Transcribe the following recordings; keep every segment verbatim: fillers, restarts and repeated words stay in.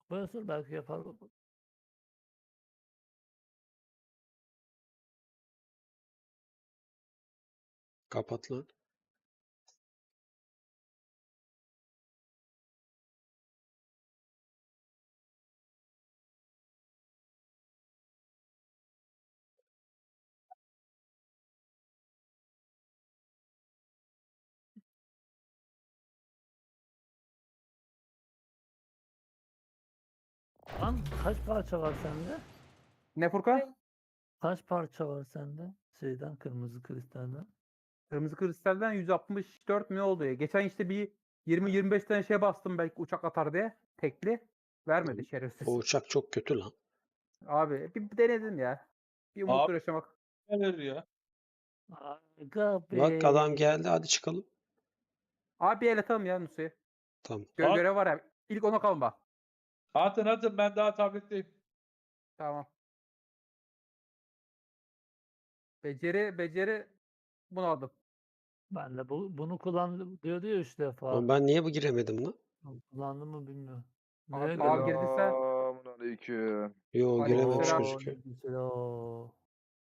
Buyursun belki yapar. Kapat lan. Lan kaç parça var sende? Ne Furkan? Kaç parça var sende? Şeyden kırmızı kristalden. Kırmızı kristalden yüz altmış dört mi oldu ya? Geçen işte bir yirmi yirmi beş tane şey bastım belki uçak atar diye. Tekli. Vermedi şerefsiz. O uçak çok kötü lan. Abi bir, bir denedim ya. Bir umutla Abi yaşamak. neler ya? Aga Bak adam be. geldi, hadi çıkalım. Abi el atalım ya Nusu'ya. Tamam. Gö At, görev var ya. İlk ona kalma. atın atın ben daha tabletteyim. Tamam. Beceri beceri bunu aldım. Ben de bu, bunu kullandım diyordu ya üç defa. Oğlum ben niye bu giremedim lan? Kullandım mı bilmiyorum. Abi, Neye abi göre? girdiyse Selamünaleyküm. Yo, girememiş aleykümselam. Oo, gözüküyor. ne güzel o.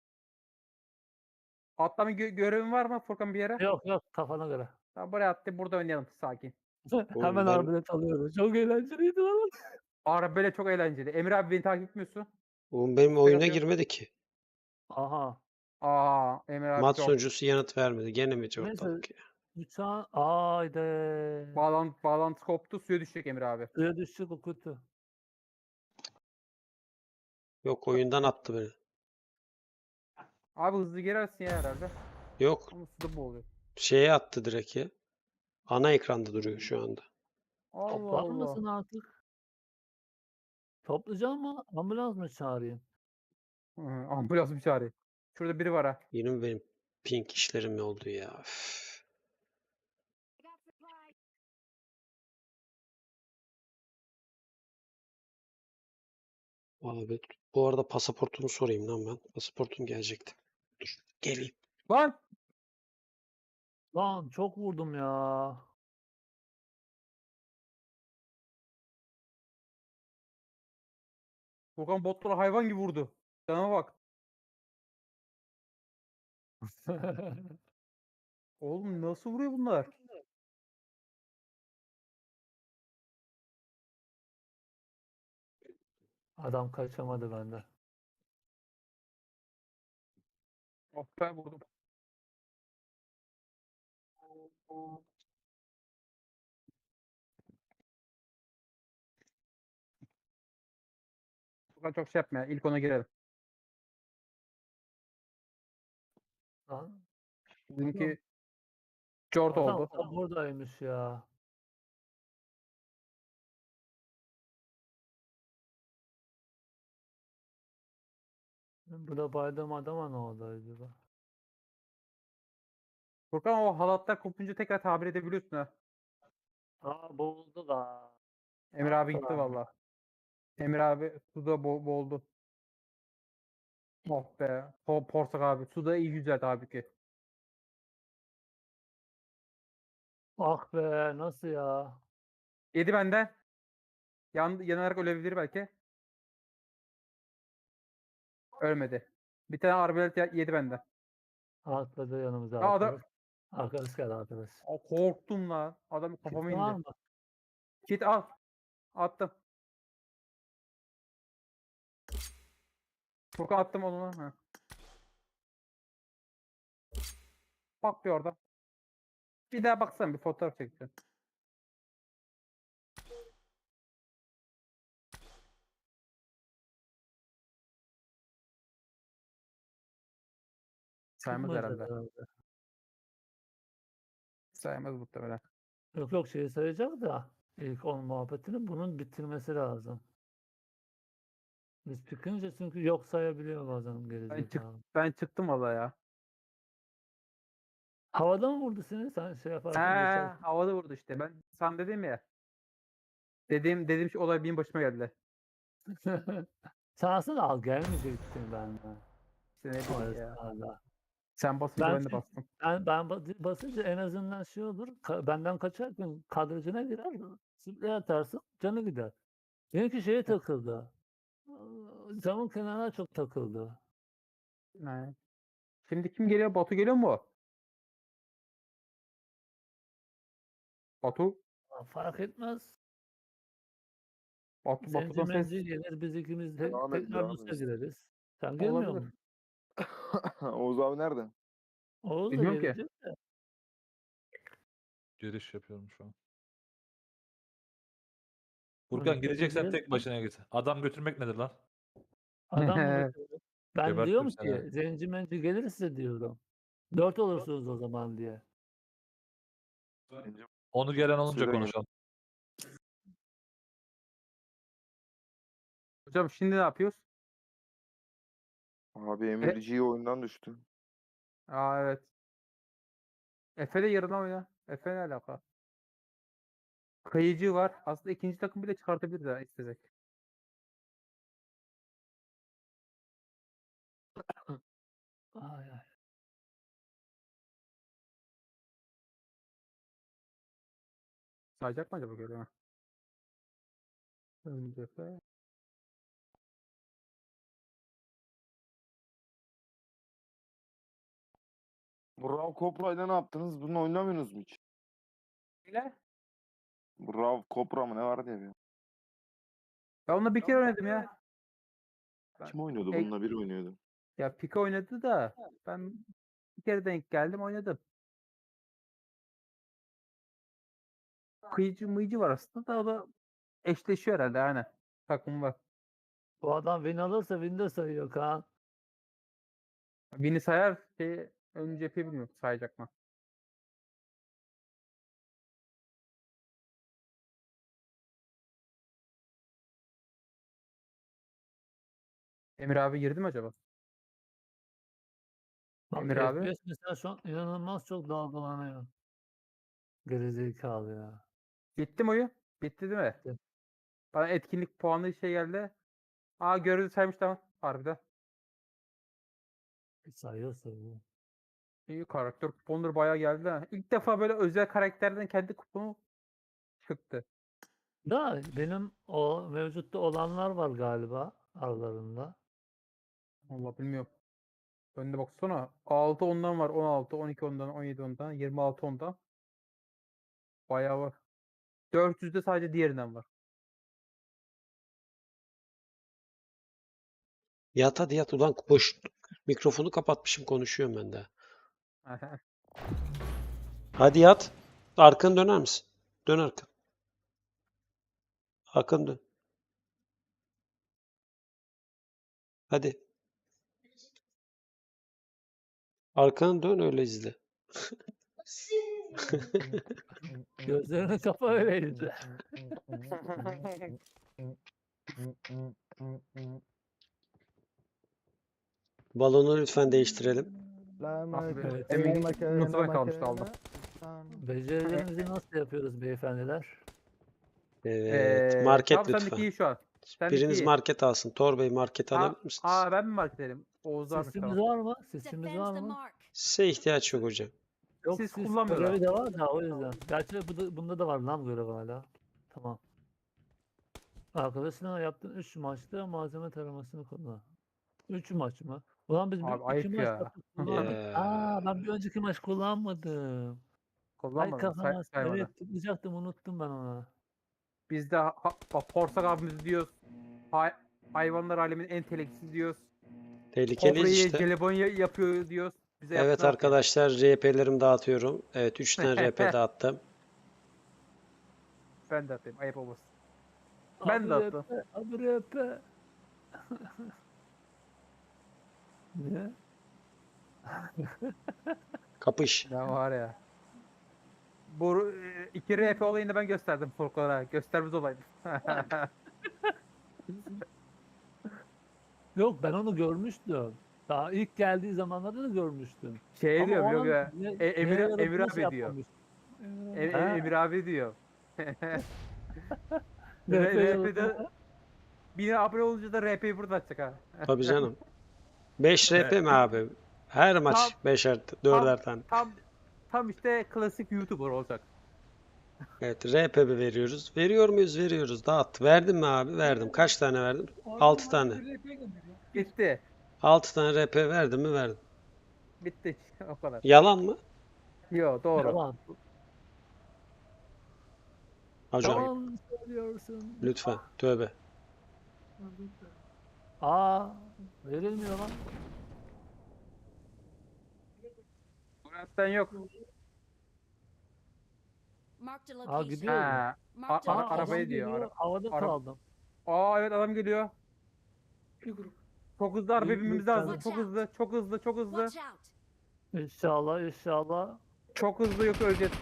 Atlama gö görevin var mı Furkan bir yere? Yok yok kafana göre. Tamam, buraya attı. Burada oynayalım sakin. Oğlum Hemen ben arbelet alıyoruz. Çok eğlenceliydi lan. Ara böyle çok eğlenceli. Emre abi beni takip etmiyorsun. oğlum benim İstek oyuna atıyor. girmedi ki. Aha. Aa Emre abi Mat çok. sunucusu yanıt vermedi. Gene mi Neyse. ortalık ya? Uçağın... Haydi. Bağlantı, bağlantı koptu. Suya düşecek Emre abi. Suya düştük o kötü. Yok, oyundan attı beni. Abi hızlı girersin ya herhalde. Yok, Ama suda boğuluyor. şeye attı direkt ya. Ana ekranda duruyor şu anda. Allah Toplar Allah. mısın artık? Toplayacağım mı? Ambulans mı çağırayım? Hı, ambulans bir çağırıyor. Şurada biri var ha. Yine mi benim pink işlerim oldu ya? Üf. Abi bu arada pasaportumu sorayım lan ben. Pasaportum gelecekti. Dur geleyim. Lan! Lan çok vurdum ya. Furkan botlara hayvan gibi vurdu. Cana bak. Oğlum nasıl vuruyor bunlar? Adam kaçamadı benden. Oh be vurdum. Furkan çok şey yapma ya. İlk ona girelim. Lan Bizimki Jort adam oldu. o buradaymış ya. Burada baydığım adama ne oldu acaba? Furkan o halatlar kopunca tekrar tabir edebiliyorsun ha. Aa boğuldu la. Emre abi gitti valla. Emre abi suda bo boğuldu. Oh be. Po Porsak abi. Suda iyi yüzer abi ki. Ah be nasıl ya? Yedi benden. Yan yanarak ölebilir belki. Ölmedi. Bir tane arbelet ye- yedi benden. Atladı yanımıza Ya adam arkadaş. Arkadaş geldi arkadaş. Aa, korktum lan. Adam kafama Kit var indi. mı? Kit al. Attım. Furkan attım onu. Ha. Bak bir orada. Bir daha baksana bir fotoğraf çekeceğim. Saymaz Çıkmadı herhalde. herhalde. Saymaz muhtemelen. Yok yok şeyi sayacak da ilk on muhabbetini bunun bitirmesi lazım. Biz çıkınca çünkü yok sayabiliyor bazen Ben, çık gerizekalı. ben çıktım valla ya. Havada mı vurdu seni sen şey He, yaparken geçerken? havada vurdu işte. Ben sana dedim ya. Dediğim dediğim şey olay benim başıma geldi. Şansın al gelmeyecektin benden. İşte ne O bileyim ya. esnada. Sen basınca Ben ben de çünkü bastım. ben, ben ba- basınca en azından şey olur. ka- benden kaçarken kadrajına girer. Sprey atarsın canı gider. Benimki şeye takıldı. Aa, Camın kenarına çok takıldı. Ne? Şimdi kim geliyor? Batu geliyor mu? Batu. Aa, Fark etmez. Batu Zenci Batu'dan ses menci gelir, biz ikimiz de Devam et, tekrar devam Rus'a et. gireriz. Sen gelmiyor olabilir. musun? Oğuz abi nerede? Oğuz da Bilmiyorum ki. gelecek de. Giriş yapıyorum şu an. Hani Furkan tabii gideceksen gelirsin. tek başına git. Adam götürmek nedir lan? Adam mı götürdü? Ben Gebertirim diyorum seni. ki zenci menci gelirse diyorum. Dört olursunuz o zaman diye. Onu gelen olunca Söyleyin. konuşalım. Hocam şimdi ne yapıyoruz? Abi Emirci'yi oyundan düştü. Aa evet. Efe de yarına oyna. Efe ne alaka? Kayıcı var. Aslında ikinci takım bile çıkartabilir de istesek. Ay, ay. Sayacak mı acaba göre? Önce Efe. Brav Copra'yla ne yaptınız? Bunu oynamıyorsunuz mu hiç? Ile. Brav Copra mı ne vardı ya? bir? Ben onunla bir kere oynadım ya. Kim oynuyordu? Ey- Bununla biri oynuyordu. Ya Pika oynadı da ben bir kere denk geldim oynadım. Kıyıcı mıyıcı var aslında da o da eşleşiyor herhalde yani. Takım var. Bu adam win alırsa win de sayıyor Kaan. Bini sayar şey ön cephe bilmiyorum sayacak mı? Emir abi girdi mi acaba? Bak Emir abi. F P S mesela şu an inanılmaz çok dalgalanıyor. Gerizekalı ya. Bitti mi oyun? Bitti değil mi? Bitti. Bana etkinlik puanı şey geldi. Aa gördü saymış tamam. Harbiden. Sayıyor sayıyor. İyi karakter kuponları bayağı geldi ha. İlk defa böyle özel karakterden kendi kuponu çıktı. Da benim o mevcutta olanlar var galiba aralarında. Allah bilmiyorum. Önde baksana. altı ondan var. on altı, on iki ondan, on yedi ondan, yirmi altı ondan. Bayağı var. dört yüzde sadece diğerinden var. Yat hadi yat ulan boş mikrofonu kapatmışım konuşuyorum ben de. Hadi yat. Arkanı döner misin? Dön arkanı. Arkanı dön. Hadi. Arkanı dön öyle izle. Gözlerini kapa öyle izle. Balonu lütfen değiştirelim. Evet. Emin nutuna kalmıştı aldım. Becerilerimizi nasıl yapıyoruz beyefendiler? Evet. Ee, Market tam sendeki lütfen. iyi şu an. Sendeki Biriniz iyi. market alsın. Tor Bey market Aa, alabilir misiniz? aa ben mi market edelim? Oğuz abi Sesimiz tamam. var mı? Sesimiz Defend var the mı? mark. Size ihtiyaç yok hocam. Yok Siz siz kullanmıyorlar. görevi de var da o yüzden. Gerçi bu da- bunda da var lan görev hala. Tamam. Arkadaşına yaptığın üç maçta malzeme taramasını kullan. üç maç mı? Ulan biz bir Abi iki ayıp maç ya. yaptık kullanmadık. Ya. Aa ben bir önceki maç kullanmadım. Ay Kullanmadım. Say, kafama saymadı. evet tıklayacaktım unuttum ben ona. Biz de ha, bak Porsak abimiz diyoruz. Hay, hayvanlar aleminin en teleksiz diyoruz. Tehlikeliyiz Kobra'yı işte. jelibon ya- yapıyor diyoruz. Bize Evet yaptılar ki. arkadaşlar R P'lerimi dağıtıyorum. Evet üç tane R P dağıttım. Ben de atayım. Ayıp olmasın. Ben de Abi attım. rap, Abi rap. Niye? Kapış. Ya var ya. Bu e, iki R P olayını ben gösterdim Furkan'a. Göstermez olaydı. Yok ben onu görmüştüm. Daha ilk geldiği zamanlarda da görmüştüm. Şey Ama diyor o biliyor an ya. ne- E, Emir, neye Emir yaradığını abi şey diyor. yapmamış. E, e, Ha. Emir abi diyor. R P R- yaradığını- RP'de bin abone olunca da R P'yi burada açacak ha. Tabii canım. beş R P mi abi? Her maç Tam- beşer, dörder tane. Tam tam işte klasik YouTuber olacak. Evet, R P B veriyoruz. Veriyor muyuz? Veriyoruz. Dağıt. Verdim mi abi? Verdim. Kaç tane verdim? altı tane. Bitti. altı tane R P verdim mi? Verdim. Bitti. O kadar. Yalan mı? Yo doğru. Yalan. Hocam Yalan söylüyorsun. lütfen. Tövbe. Aa, verilmiyor lan. Murat'tan yok. Marked a Aa location. gidiyor. mu? Ha. Marked A- a ara- Aa, arabayı adam diyor. geliyor. Ara- Havada ara- kaldım. Aa evet adam geliyor. Çok hızlı araba Büyük binmemiz bir lazım. tane. Çok hızlı, çok hızlı, çok hızlı. Watch out. İnşallah inşallah. Çok hızlı yoksa öleceğiz.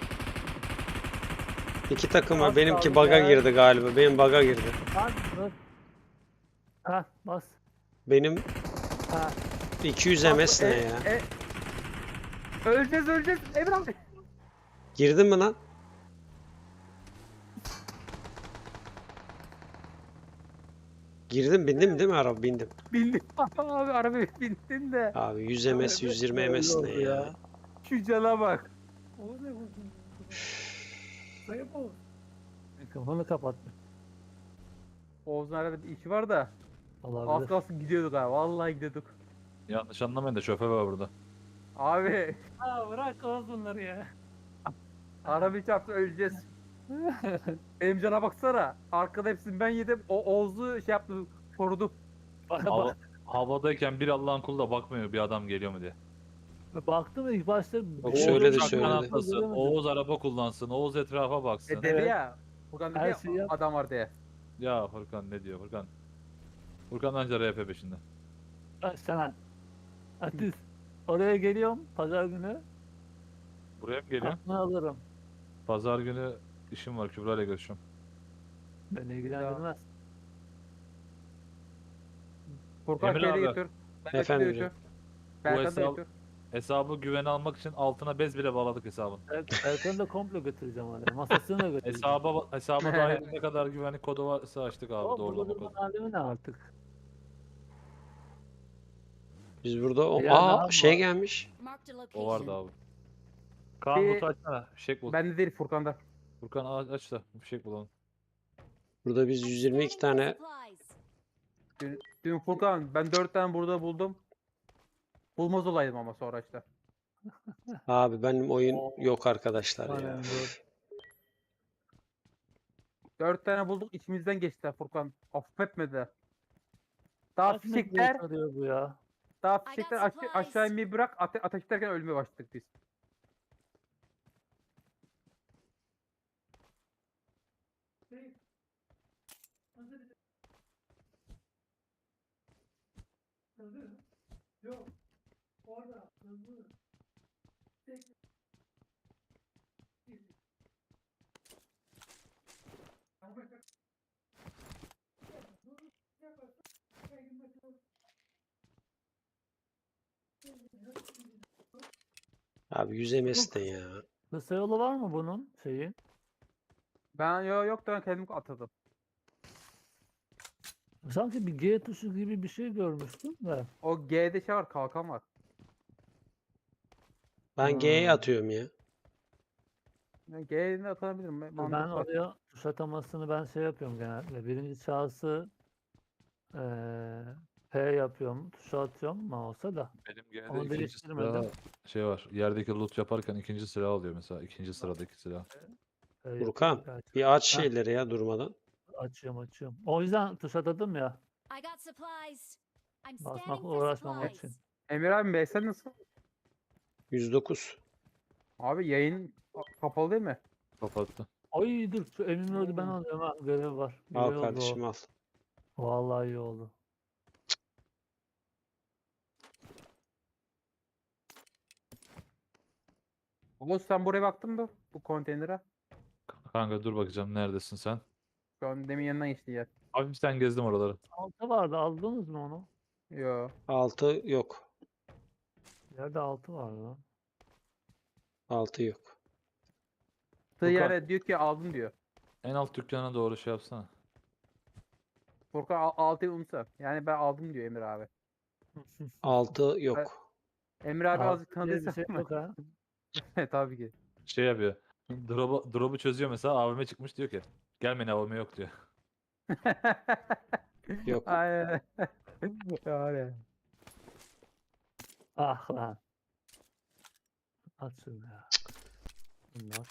İki takım var. Az Benimki kaldı baga ya. girdi galiba. Benim baga girdi. Lan dur. Heh bas. Benim Heh. iki yüz Bak, M S ne e- ya? e- öleceğiz, öleceğiz. Emre abi. Girdin mi lan? Girdim, bindim değil mi araba? Bindim. Bindim. Abi arabaya bindin de. Abi yüz M S, yüz yirmi M S ne Öyle oldu ya? Şu cana bak. Mikrofonu kapattım. Oğuz'un arabada işi var da. Az Olabilir. kalsın gidiyorduk abi. Vallahi gidiyorduk. Yanlış anlamayın da şoför var burada. Abi Aa bırak oğuz bunları ya. arabayı çarptı öleceğiz. Benim cana baksana. Arkada hepsini ben yedim. O Oğuz'u şey yaptı. Korudu. Bak, Hava, bak, havadayken bir Allah'ın kulu da bakmıyor bir adam geliyor mu diye. baktım ilk başta. Yok, söyledi, Oğuz söyledi. uçaktan Atlasın, atlasın, Oğuz araba kullansın, Oğuz etrafa baksın. E dedi ya. Furkan dedi Her ya şeyi yap. adam var diye. Ya Furkan ne diyor Furkan? Furkan anca R P peşinde. Bak sana. Atis. Oraya geliyorum pazar günü. Buraya mı geliyor? Aklını alırım. Pazar günü işim var, Kübra ile görüşüyorum. Beni ilgilendirmez. Furkan Emre şeyle abi. götür. Ben Efendim götür. hocam. Berkan'ı da hesap- götür. Hesabı güvene almak için altına bez bile bağladık hesabın. Er- Erkan'ı da komple götüreceğim oraya. Masasını da götüreceğim. Hesaba hesaba dair ne kadar güvenlik kodu varsa açtık abi Ama doğrulama burada kodu. durmanın alemi ne artık? Biz burada o... Ya ne Aa yapma? şey gelmiş. Marked a O vardı location. abi. Kaan Bir- butu açsana. Fişek bul. Bende değil Furkan'da. Furkan a- aç da fişek bulalım. Burada biz yüz yirmi iki Scanning for tane supplies. Dün, dün Furkan ben dört tane burada buldum. Bulmaz olaydım ama sonra işte. abi benim oyun yok arkadaşlar ya. Aynen, dur. Dört tane bulduk içimizden geçtiler Furkan. Affetmedi. Daha Kaç metreye fişekler, sarıyor bu ya? daha got fişekler aşa- supplies. aşağı inmeyi bırak. Ate ateş ederken ölmeye başladık biz. Abi yüz M S ne ya? Kısa yolu var mı bunun şeyi? Ben yo yok da ben kendim atadım. Sanki bir G tuşu gibi bir şey görmüştüm de. O G'de şey var kalkan var. Ben G'ye Hmm. atıyorum ya. Yani G'de atabilirim. Ben, Ben mantıklı. oraya tuş atamasını ben şey yapıyorum genelde. Birinci şahsı eee P yapıyorum. Tuşa atıyorum mouse'a da. Benim G'de Onu ikinci değiştirmedim. silah şey var. Yerdeki loot yaparken ikinci silah alıyor mesela. İkinci sıradaki silah. P yapıyorum Furkan gerçi. bir aç Heh. şeyleri ya durmadan. Açıyorum açıyorum. O yüzden tuş atadım ya. I got supplies. I'm Basmakla scanning for uğraşmamak supplies. için. Emir abi B sen nasıl? yüz dokuz. Abi yayın kapalı değil mi? Kapattı. Ay dur şu Emin Ördü ben Hmm. alıyorum ha. Görev var. İyi Al oldu kardeşim o. al. Vallahi iyi oldu. Oğuz sen buraya baktın mı? Bu konteynere. Kanka dur bakacağım neredesin sen? Şu an demin yanından geçti yer. Hafiften gezdim oraları. Altı vardı aldınız mı onu? Yo. altı yok. Yerde altı vardı lan. altı yok. Tığ Furkan. yere diyor ki aldım diyor. En alt dükkana doğru şey yapsana. Furkan al- altıyı unutsa. Yani ben aldım diyor Emir abi. altı yok. Emir abi Altı azıcık diye bir tanıdıysa şey yok ha. Tabii ki. Şey yapıyor. Drop'u drop'u çözüyor mesela A V M çıkmış diyor ki gelmeyin A V M yok diyor. Yok. Aynen. Var ya. Ah lan. At şunu ya. Bunlar.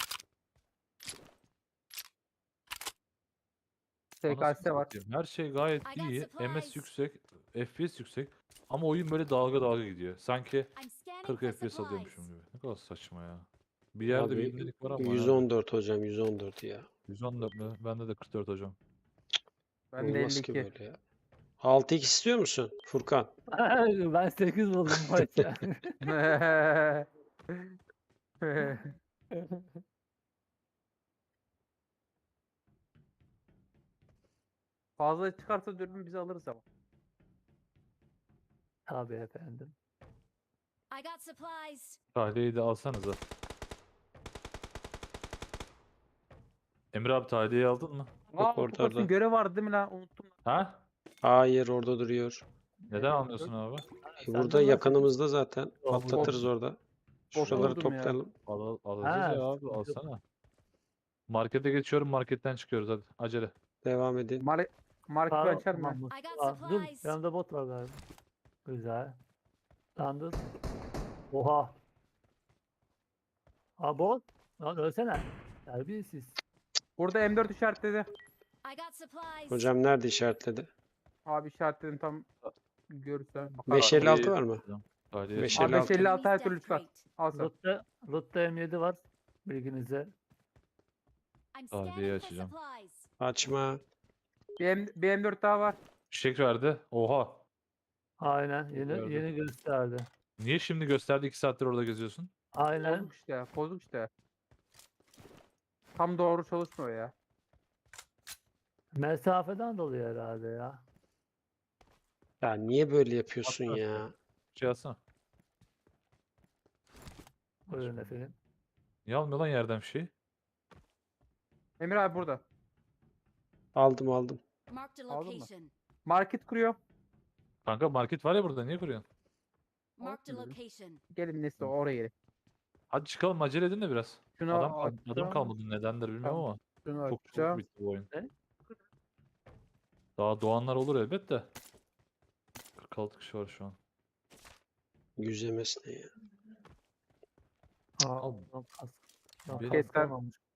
S K Anasını S var. satayım. Her şey gayet I got iyi. M S supplies. yüksek, F P S yüksek. Ama oyun böyle dalga dalga gidiyor. Sanki I'm scanning kırk for F P S alıyormuşum supplies. gibi. Ne kadar saçma ya. Bir yerde bir Abi ibnelik var ama yani. yüz on dört hocam yüz on dört ya. yüz on dört mü? Bende de kırk dört hocam. Ben de Olmaz ki elli iki. böyle ya. altı x istiyor musun Furkan? Ben sekiz buldum maçta. Fazla çıkarsa dürbün bizi alırız ama. Tabii efendim. I got supplies. Tahliyeyi de alsanıza. Emre abi tahliyeyi aldın mı? Aa, orada, Furkan orada. görev vardı değil mi lan? Unuttum. Ha? Hayır orada duruyor. Neden almıyorsun abi? E, Senden burada nasıl- yakınımızda zaten. Yok, Patlatırız yok. orada. Boş Şuraları buldum ya. toplayalım. Al, al- alacağız Ha, ya abi sıkıntı yok. alsana. Markete geçiyorum marketten çıkıyoruz hadi acele. Devam edin. Mar Mark Sağ- açar mı? tamam, bu- I got Aa, dur, supplies. yanımda bot var galiba. Güzel. Lan dur. Oha. Aa bot. Lan ölsene. Terbiyesiz. Burada M dört işaretledi. I got supplies. Hocam nerede işaretledi? Abi işaretledim tam görürsen. beş elli altı var mı? Tahliye beş çıkıyor. elli Abi altı. beş elli Enemy's altı her death türlü çıkar. crate. Al sen. Loot'ta, Loot'ta M yedi var. Bilginize. I'm Tahliyeyi scanning for açacağım. supplies. Açma. Bir, M, bir M dört daha var. Fişek verdi. Oha. Aynen. Yeni Gördüm. yeni gösterdi. Niye şimdi gösterdi iki saattir orada geziyorsun? Aynen. Bozuk işte. Bozuk işte. Tam doğru çalışmıyor ya. Mesafeden dolayı herhalde ya. Ya niye böyle yapıyorsun Atla. ya? Şey alsana. Buyurun efendim. Niye almıyor lan yerden fişeği? Emir abi burada. Aldım aldım. Marked a Aldın mı? location. Market kuruyor. Kanka market var ya burada niye kuruyorsun? Marked a Olsun dedim. location. Gelin neyse oraya gelin. Hadi çıkalım acele edin de biraz. Şunu Adam, kal- adam açacağım. kalmadı nedendir bilmiyorum Tamam. ama Şunu çok çabuk açacağım. bitti bu oyun. Ne? Daha doğanlar olur elbet de. kırk altı kişi var şu an. Yüzemesine ya. Aa, Al. lan kas- lan Benim- kas kalmamış.